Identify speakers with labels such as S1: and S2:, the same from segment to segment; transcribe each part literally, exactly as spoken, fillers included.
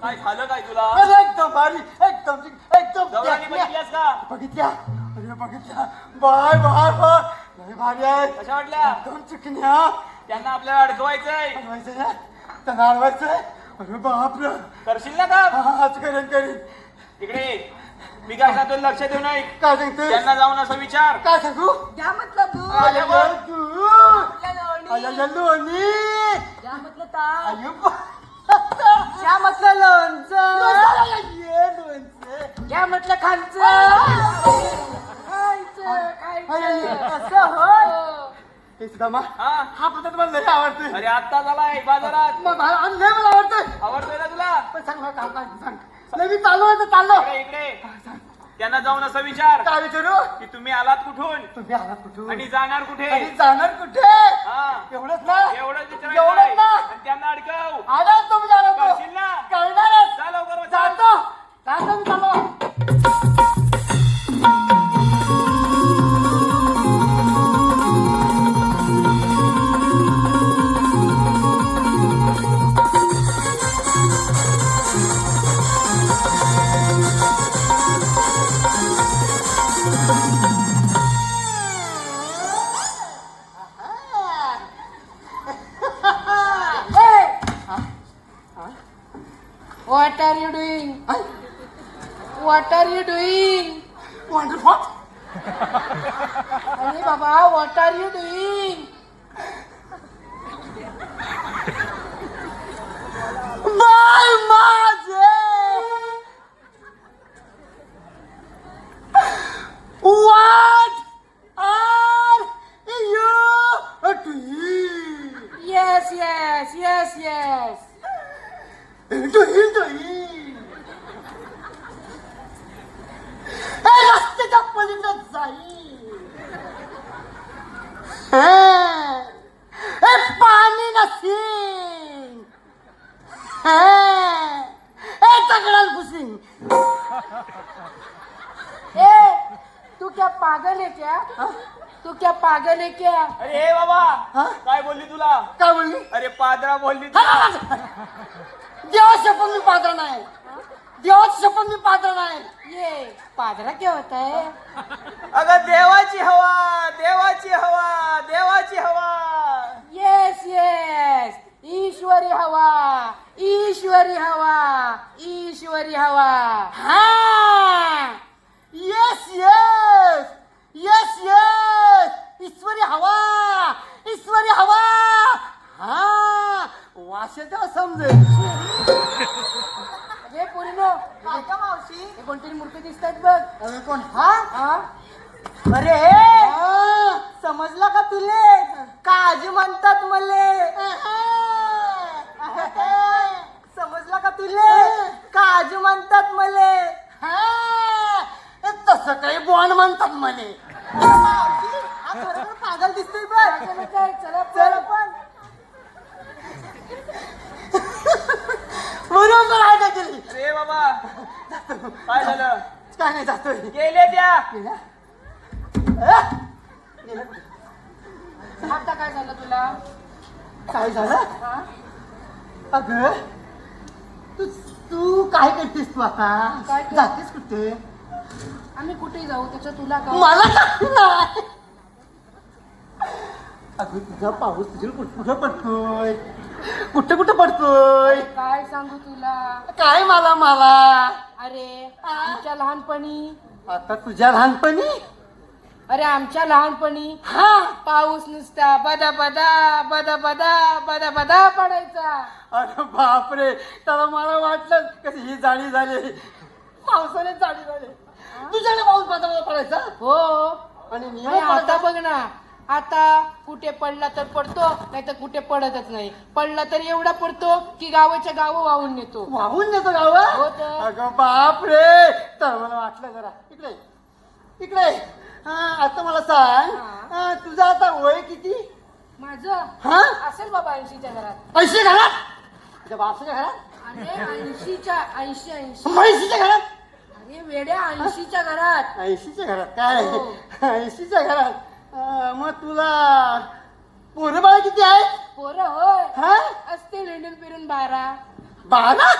S1: काय झालं काय तुला?
S2: अरे एकदम भारी, एकदम एकदम
S1: गौराणी बघितल्यास का?
S2: बघितल्या, अरे बघितल्या, बाय बाय बाय, लय भारी आहे.
S1: कशा वाटल्या?
S2: एकदम चिकन्या.
S1: त्यांना आपल्याला अडकवायचंय.
S2: अडवायचं ना, त्यांना अडवायचंय. अरे बापरे,
S1: करशील ना का?
S2: आज करेन करेन.
S1: इकडे मी काय सांगतो लक्ष देऊ नये.
S2: काय सांगते?
S1: त्यांना जाऊन असं विचार.
S2: काय सांगू?
S3: क्या मतलब दूध?
S2: आया
S1: बोल.
S2: तू,
S3: क्या लोणी?
S2: आया लोणी.
S3: क्या मतलब ताक?
S2: आयो बा-
S3: क्या मतलब लोणचं?
S2: ये लोणचं.
S3: क्या मतलब खायचं? खायचं, खायचं. असं होय.
S2: हे सुदामा,
S1: हा
S2: हा पद्धत मला लय आवडते.
S1: अरे आत्ता झालाय बाजारात.
S2: मग मला आणि लय मला आवडते.
S1: आवडतोय ना तुला?
S2: पण सांग ना काय काय सांग. लय मी चाललो आहे तर चाललो.
S1: इकडे इकडे त्यांना जाऊन असं विचार
S2: काय विचारू?
S1: की तुम्ही आलात कुठून
S2: तुम्ही आलात कुठून?
S1: आणि जाणार कुठे.
S2: आणि जाणार कुठे?
S1: हा
S2: एवढंच ना?
S1: एवढंच
S2: एवढंच
S1: विचारायचं
S2: ना?
S1: आणि त्यांना अडकव.
S2: आला तुम्ही जाणार तो.
S1: करशील ना?
S2: करणारच.
S1: जा लवकर बसा.
S2: जातो. जातो मी चाललो.
S3: What are you doing? What are you doing?
S2: Wonderful.
S3: अरे बाबा, what are you doing?
S2: Bye माझे. What are you doing?
S3: Yes, yes, yes, yes.
S2: Doing, doing. हे रस्त्याच्या पलीकडे जाईल. हे पाणी नसीन. हे दगडात घुसीन.
S3: ए, तू क्या पागल है क्या? तू क्या पागल है क्या?
S1: अरे हे बाबा
S2: हा?
S1: काय बोलली तुला?
S2: काय बोलली?
S1: अरे पादरा बोलली तुला.
S2: देवाची शपथ मी पात्र नाही. देवाची शपथ मी पात्र नाही.
S3: ये पादरा क्या होता है?
S1: अगं देवाची हवा देवाची हवा देवाची हवा.
S3: येस येस, ईश्वरी हवा, ईश्वरी हवा, ईश्वरी हवा.
S2: हा yes yes yes yes Ishwari हवा, ईश्वरी हवा. हा वाशेचा समजेल.
S3: अरे पोरीनो,
S2: काय का मावशी?
S3: हे कोणतरी मूर्ती दिसतात बघ.
S2: अरे कोण? हा
S3: हा?
S2: अरे समजला का तुले? काजी म्हणतात मले. समजला का तुले? काजू म्हणतात मले. तसं काही बॉन्ड म्हणतात मले. हा खरोखर पागल दिसतोय बघ.
S3: चला काय, चला
S2: चल
S3: पण.
S2: पण बरोबर आहे का केली?
S1: अरे बाबा काय झालं?
S2: काय नाही जातोय.
S1: गेले त्या.
S2: गेला? अं? गेला कुठे?
S3: आता काय झालं तुला?
S2: काय झालं?
S3: हा?
S2: अगं तू तू काय करतेस तू आता?
S3: काय कर-
S2: जातेस कुठे?
S3: आम्ही कुठे जाऊ त्याचं तुला काय?
S2: मला काय नाही. अगं तुझा पाऊस तुझ्या कुठं कुठं पडतोय? कुठं कुठं पडतोय?
S3: काय सांगू तुला?
S2: काय मला मला
S3: अरे आमच्या लहानपणी,
S2: आता तुझ्या लहानपणी
S3: अरे आमच्या लहानपणी
S2: हा
S3: पाऊस नुसता बदा बदा बदा बदा बदा बदा पडायचा.
S2: अरे बापरे, त्याला मला वाटलं कशी ही जाळी झाली. पावसाने जाळी झाली. तुझ्याकडे पाऊस बदा बदा पडायचा
S3: हो.
S2: आणि
S3: आणि
S2: नियम
S3: आता
S2: पडायचा.
S3: बघ ना, आता कुठे पडला तर पडतो, नाही तर कुठे पडतच नाही. पडला तर एवढा पडतो की गावाच्या गाव वाहून नेतो.
S2: वाहून नेतो गाव.
S3: हो तर.
S2: अगं बाप रे, तर मला वाटलं जरा इकडे इकडे. हा आता मला सांग,
S3: हा.
S2: हा, तुझं आता वय किती?
S3: माझं
S2: हा
S3: असेल बाबा ऐंशीच्या घरात.
S2: ऐंशी घरात? तुझ्या बापच्या घरात?
S3: अरे ऐंशीच्या ऐंशी ऐंशी
S2: म्हैशीच्या घरात?
S3: अरे वेड्या, ऐंशीच्या घरात.
S2: ऐंशीच्या घरात काय?
S3: हो.
S2: ऐंशीच्या घरात. अं, मग तुला पोरं बाळ किती आहेत?
S3: पोरं होय
S2: हा
S3: असते हिंडून फिरून बारा.
S2: बारा?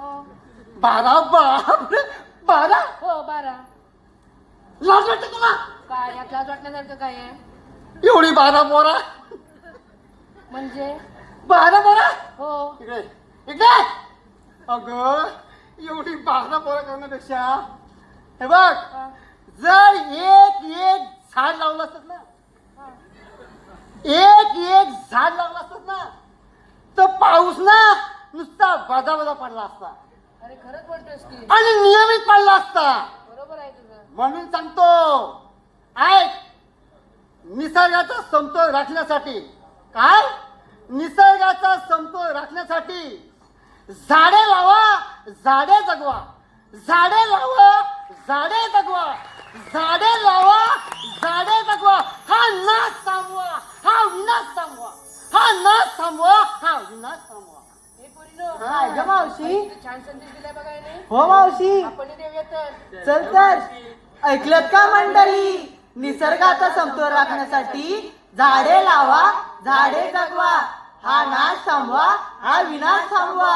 S3: हो
S2: बारा बापरे बारा
S3: हो बारा.
S2: लाज वाटते तुला
S3: काय यात लाज वाटण्यासारखं काय आहे?
S2: एवढी बारा पोरा
S3: म्हणजे
S2: बारा पोरा
S3: हो
S2: इकडे इकडे अगं एवढी बारा पोरा करण्यापेक्षा हे बघ
S3: हा,
S2: जर एक एक झाड लावलं असत ना
S3: हा.
S2: एक एक झाड लावलं असत ना तर पाऊस ना नुसता बदा बदा पडला असता
S3: अरे खरंच म्हणतोस की
S2: आणि नियमित पडला असता.
S3: बरोबर आहे तुझं.
S2: म्हणून सांगतो ऐक निसर्गाचा समतोल राखण्यासाठी काय निसर्गाचा समतोल राखण्यासाठी झाडे लावा झाडे जगवा झाडे लावा झाडे जगवा झाडे लावा झाडे जगवा हा नाश थांबवा हा विनाश थांबवा हा नाश थांबवा हा विनाश थांबवा.
S3: हे पोरीनो,
S1: काय ग मावशी?
S3: किती छान संदेश दिलाय बघा याने.
S1: हो मावशी
S3: आपण देऊया तर.
S1: चल तर ऐकलत का मंडळी? निसर्गाचा समतोल राखण्यासाठी झाडे लावा झाडे जगवा हा नाश थांबवा हा विनाश थांबवा.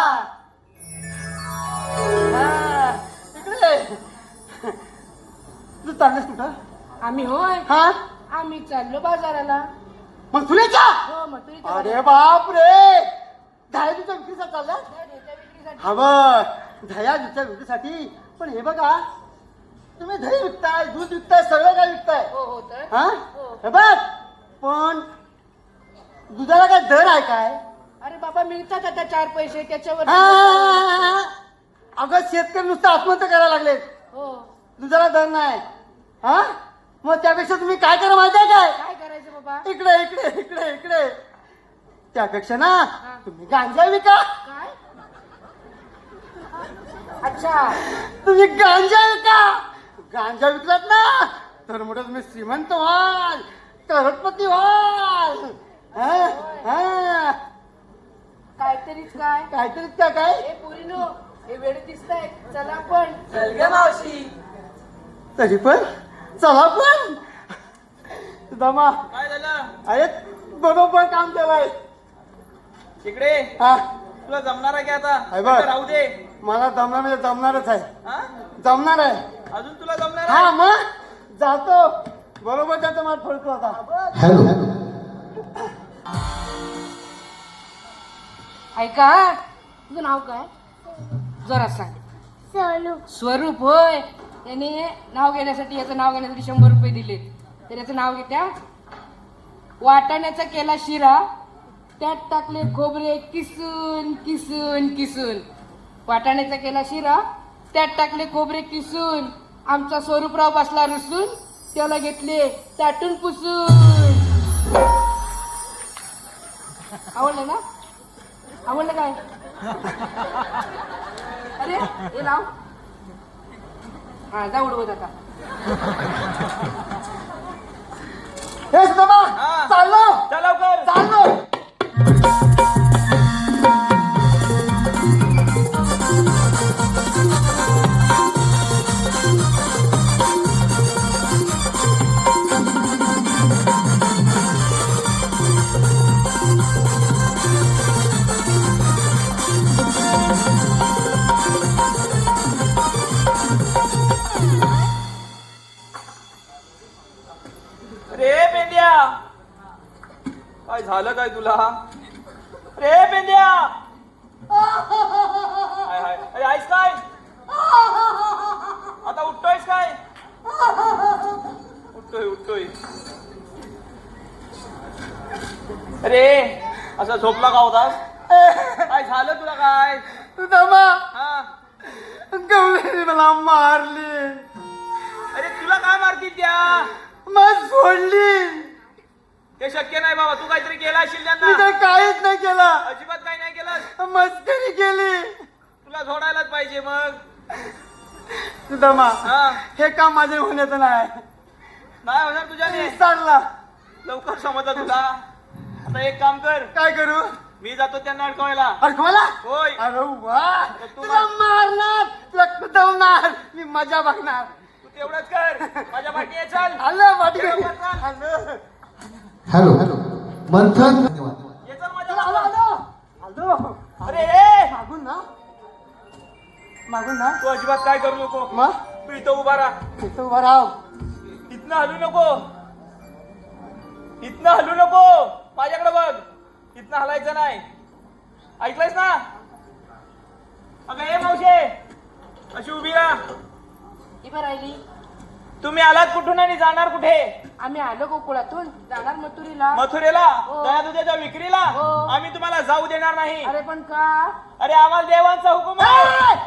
S2: हा, इकडे तू चाललेस कुठं
S3: आम्ही होय
S2: हा
S3: आम्ही चाललो बाजाराला.
S2: मग तुला
S3: हो मग तुझी
S2: अरे बाप रे दह्याच्या विक्रीसाठी चालला
S3: विक्रीसाठी.
S2: हा बघ दह्याच्या विक्रीसाठी. पण हे बघा तुम्ही दही विकताय दूध विकताय सगळं काय विकताय
S3: हो हो तर
S2: हा
S3: हो.
S2: हे बघ पण दुधाला काय दर आहे काय?
S3: अरे बाबा मिळतात आता चार पैसे त्याच्यावर.
S2: हा, अगं शेतकरी नुसतं आत्महत्या करायला लागलेत
S3: हो
S2: दुधाला दर नाही. हा मग त्यापेक्षा तुम्ही काय करा माहिती आहे काय?
S3: काय करायचं बाबा?
S2: इकडे इकडे इकडे इकडे त्यापेक्षा ना
S3: हा.
S2: तुम्ही गांजा विका.
S3: काय? अच्छा
S2: तुम्ही गांजा विका. गांजा विकलात ना तर मोठं तुम्ही श्रीमंत व्हाल करोडपती व्हाल. हा, हा.
S3: काहीतरीच काय
S2: काहीतरी त्या काय
S3: हे पोरीनो हे वेळ दिसताय चला पण.
S1: चल ग मावशी.
S2: तरी पण चला पण दमा
S1: काय झालं?
S2: अरे बरोबर काम केलंय.
S1: इकडे
S2: हा
S1: तुला जमणार आहे की आता?
S2: आहे बघ.
S1: इथं राहू दे.
S2: मला जमणार म्हणजे जमणारच आहे
S1: हा?
S2: जमणार आहे.
S1: अजून तुला जमणार
S2: हा
S1: आहे?
S2: मग जातो बरोबर त्याचा माठ फडतो आता.
S3: ऐका तुझं नाव काय जरा सांग. स्वरूप होय. त्याने नाव घेण्यासाठी याचं नाव घेण्यासाठी शंभर रुपये दिले. तर याचं नाव घेत्या वाटाण्याचा केला शिरा त्यात टाकले खोबरे किसून किसून किसून. वाटाण्याचा केला शिरा त्यात टाकले खोबरे किसून. आमचा स्वरूपराव बसला रुसून त्याला घेतले चाटून पुसून. आवडलं ना? आवडलं काय? अरे हे लाव. हा जा उडवत आता.
S2: हे सुदामा
S1: हा.
S2: चाललो
S1: चल लवकर.
S2: चाललो.
S1: रे पेंड्या काय झालं काय तुला? रे पेंड्या हाय हाय अरे आहेस काय? आता उठतोयस काय? उठतोय उठतोय. अरे असं झोपला का होतास? काय झालं तुला काय?
S2: सुदामा
S1: हा
S2: गवळीने मला मारली.
S1: अरे तुला काय मारतील त्या?
S2: मग सोडली.
S1: ते शक्य नाही बाबा. तू काहीतरी केलं असेल
S2: मी
S1: त्यांना.
S2: तर काहीच नाही केलं.
S1: अजिबात काही नाही केलं.
S2: मस्करी केली.
S1: तुला झोडायलाच पाहिजे मग.
S2: सुदामा
S1: हा
S2: हे काम माझे होण्याचं नाही.
S1: नाही होणार तुझ्याने.
S2: चालला
S1: लवकर समजला तुला. आता एक काम कर.
S2: काय करू?
S1: मी जातो त्यांना अडकवायला.
S2: अडकवायला?
S1: होय.
S2: अरे वा
S1: तू
S2: तुला मारणार तुला कुदवणार मी मजा बघणार.
S1: तू तेवढंच कर. माझ्या पाठी ये चल.
S2: आलं वाटी
S1: ये लवकर चाल.
S2: आलं
S4: हॅलो मंथन धन्यवाद.
S1: ये चल माझ्या
S2: आलो
S1: मागं.
S2: आलो आलो
S1: अरे ए!
S2: मागून ना मागून ना
S5: तू अजिबात काय करू नको.
S2: मग
S5: तू इथं उभा राहा.
S2: तिथं उभा राव.
S5: इथनं हलू नको. इथनं हलू नको. माझ्याकडे बघ. इथनं हलायचं नाही. ऐकलंयस ना? अगं हे मावशे अशी उभी राहा.
S3: इथं राहिली.
S5: तुम्ही आलात कुठून आणि जाणार कुठे?
S3: आम्ही आलो गोकुळातून जाणार मथुरीला.
S5: मथुरेला
S3: हो.
S5: दया दुधाच्या विक्रीला.
S3: हो.
S5: आम्ही तुम्हाला जाऊ देणार नाही.
S3: अरे पण का?
S5: अरे आम्हाला देवांचा हुकूम आहे.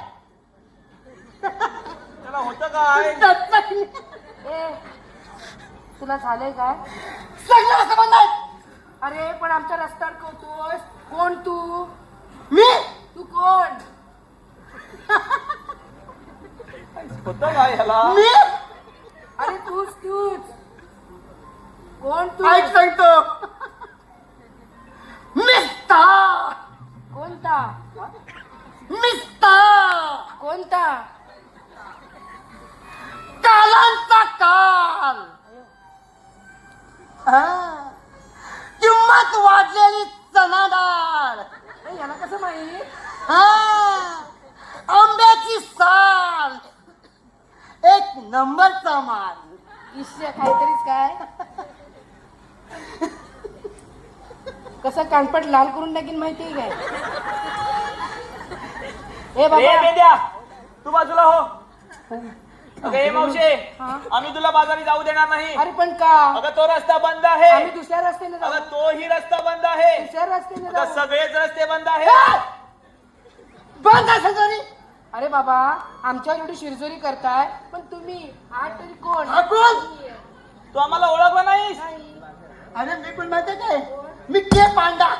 S5: त्याला होतं काय?
S3: ए तुला झालंय काय?
S2: सगळं संबंध आहे.
S3: अरे पण आमच्या रस्त्यावर कवतोस. कोण तू?
S2: मी
S3: तू कोण?
S5: होतं काय ह्याला?
S2: मी
S3: अरे तूच तूच कोण तू?
S2: ऐक सांगतो. मिस्ता
S3: कोणता?
S2: मिस्ता
S3: कोणता?
S2: कालांचा काल. हा. किंमत वाढलेली चना डाळ.
S3: ए, याला कसं माहित?
S2: हा. आंब्याची साल. एक नंबरचा माल.
S3: ईश्य काहीतरीच काय? कसं कानपट लाल करून टाकीन माहितीये काय? ए
S5: ए
S3: बाबा
S5: मेंद्या तू बाजूला हो. अगं हे मावशे
S3: हा?
S5: आम्ही तुला बाजारी जाऊ देणार नाही.
S3: अरे पण का?
S5: अगं तो रस्ता बंद आहे.
S3: आम्ही दुसऱ्या रस्त्याने जाऊ.
S5: अगं तोही रस्ता बंद आहे.
S3: दुसऱ्या रस्त्याने
S5: अगं
S3: जाऊ.
S5: सगळेच रस्ते बंद आहेत.
S2: बंद असेल तरी
S3: अरे बाबा आमच्यावर एवढी शिरजोरी करताय पण तुम्ही हा तरी कोण?
S2: हा कोण?
S5: तू आम्हाला ओळखला नाहीस.
S3: नाही.
S2: अरे मी पण माहिती काय मी के पांडा.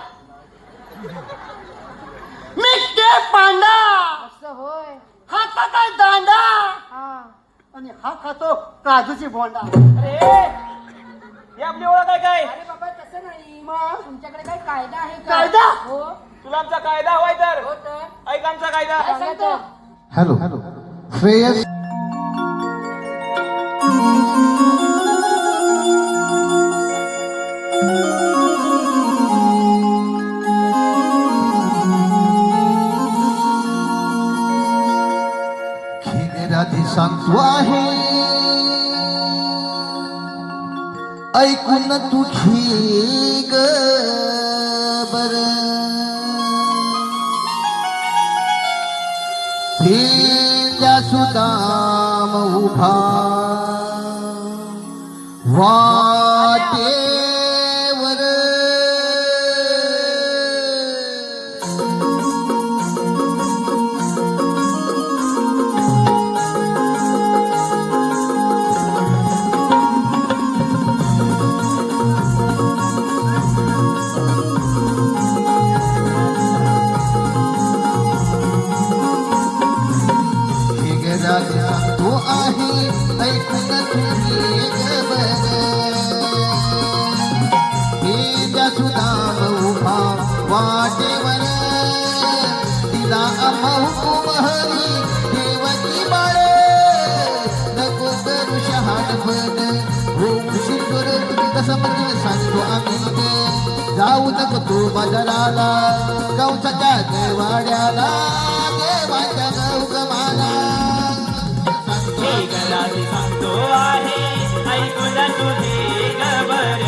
S2: मी के पांडा.
S3: असं होय.
S2: हा काय दांडा
S3: हा
S2: आणि हा खातो काजूची बोंडा.
S5: अरे हे आपली ओळख आहे काय?
S3: अरे बाबा तसं नाही.
S2: मग?
S3: तुमच्याकडे काही कायदा आहे का?
S2: कायदा?
S3: हो
S5: तुला आमचा कायदा हवाय तर
S3: हो तर
S5: ऐक आमचा कायदा.
S3: काय सांगतो?
S4: हॅलो श्रेयस राधी सांगतो आहे ऐकून तुझी ग बर भेंड्या सुदाम उभा वाटेवर तो आहे ऐकून तुझी गबर भेंड्या सुदाम उभा वाटेवर तिला आम्हा हुकूम हरी देवकी बाळ नको करू शहाणपण होऊशी कर तुम्ही तसं म्हणजे सांगतो आम्ही जाऊ नको तू बाजाराला कवचाच्या गवाड्याला देवाच्या गौगमाला
S5: राधी सांगतो आहे ऐकून तुझी गबर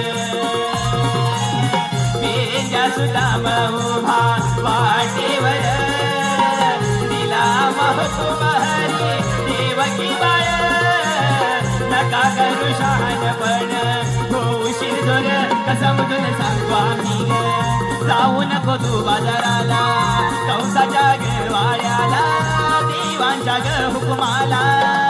S5: भेंड्या सुदाम उभा वाटेवर दिला महकूम हरी देवकी बाळ नका करू शहाणपण होशील जोर कसमधून सांगतो आम्ही जाऊ नको तू बाजाराला कंसाच्या गवाळ्याला देवांच्या ग हुकुमाला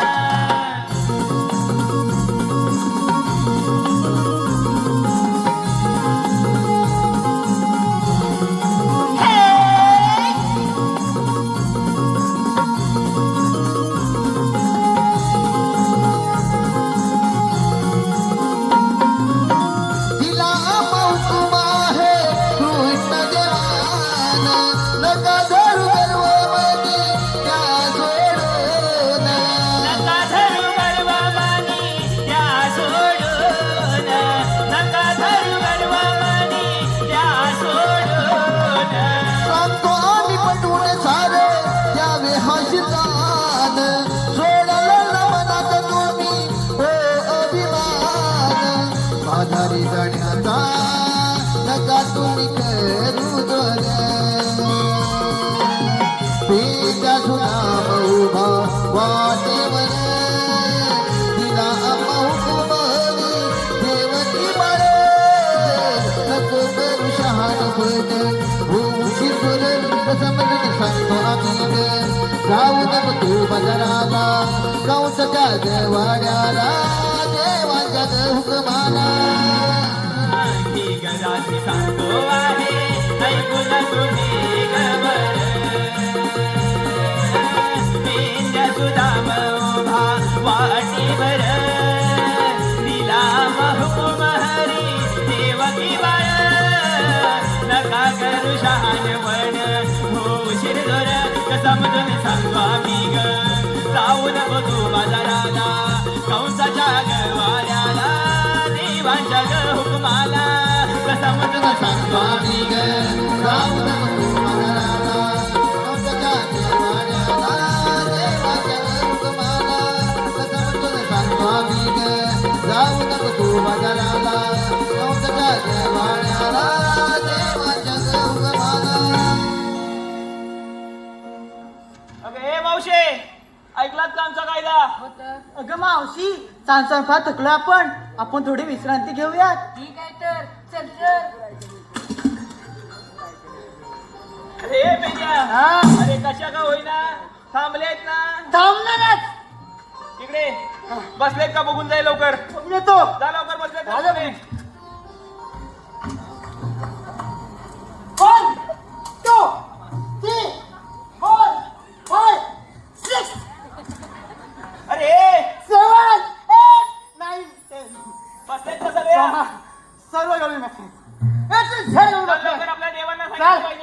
S4: तिला हुकूम आहे कृष्ण देवान नका धरू गर्वमती त्या सोडून
S5: नका धरू गर्वमानी त्या सोडून नका धरू गर्वमानी त्या सोडून
S4: सांगतो आम्ही पटवून सारे त्यावे हसी वाटेवर दिला हुकुमानी देवकी बाळे नको करू शहाणपण होऊशी सुरेल समजून सांगतो आम्ही ग जाऊ नको तू बाजाराला कंसच्या जवाड्याला देवाच्या हुकमाला
S5: ही गजाची सांगतो आहे ऐकून तुम्ही गबर पेंड्या सुदाम उभा वाटीवर दिला हुकुम हरी देवकी बाळ नका करू शहाणपण होशील जोर समजून सांगतो आम्ही ग जाऊ नको तू बाजाराला कंसाच्या गवाऱ्याला देवांच्या ग हुकुमाला समजून सांगतो आम्ही ग
S4: जाऊ नको तू बाजाराला कंसाच्या जवाड्याला देवाच्या हुकमाला समजून सांगतो आम्ही ग जाऊ नको तू बाजाराला कंसाच्या जवाड्याला देवाच्या हुकमाला
S5: अगं हे मावशे ऐकलात का आमचा कायदा
S3: होतं
S1: अगं मावशी सांग फार थकलो आपण आपण थोडी विश्रांती घेऊयात
S3: ठीक आहे तर चल चल
S5: अरे पेंड्या
S2: हा
S5: अरे कशा का होईना थांबलेत ना
S2: थांबणारच
S5: इकडे बसलेत का बघून जाईल लवकर
S2: बघून येतो
S5: जा लवकर बसलेत का
S2: झालं.
S5: बघून ये.
S2: One, two, three, four, five, six,
S5: अरे
S2: seven, eight, nine, ten.
S5: बसलेत का सगळे
S2: सर्व गवळी मासे. याचं झाड
S5: चल
S2: उडत
S5: लवकर
S2: नाही.
S5: आपल्या देवांना
S2: चल.
S5: सांगितलं पाहिजे